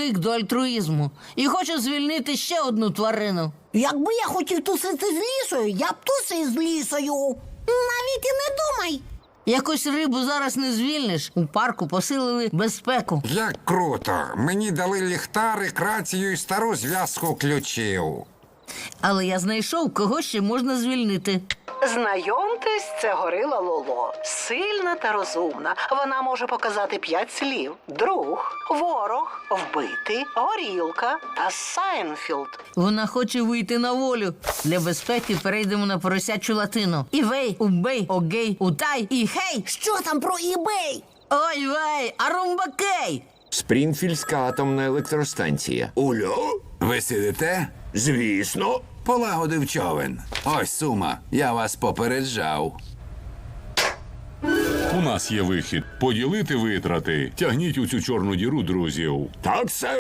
звик до альтруїзму і хочу звільнити ще одну тварину. Якби я хотів тусити з лісою, я б тусив з лісою. Навіть і не думай. Якось рибу зараз не звільниш. У парку посилили безпеку. Як круто! Мені дали ліхтарик, рацію і стару зв'язку ключів. Але я знайшов, кого ще можна звільнити. Знайомтесь, це горила Лоло. Сильна та розумна. Вона може показати 5 слів. Друг, ворог, вбитий, горілка та Сайнфілд. Вона хоче вийти на волю. Для безпеки перейдемо на поросячу латину. Івей, убей, огей, утай і хей! Що там про eBay? Ой вей, арумбакей! Спрінфільська атомна електростанція. Ульо? Ви сидите? Звісно. Полагодив човен. Ось сума. Я вас попереджав. У нас є вихід. Поділити витрати. Тягніть у цю чорну діру друзів. Так, сер.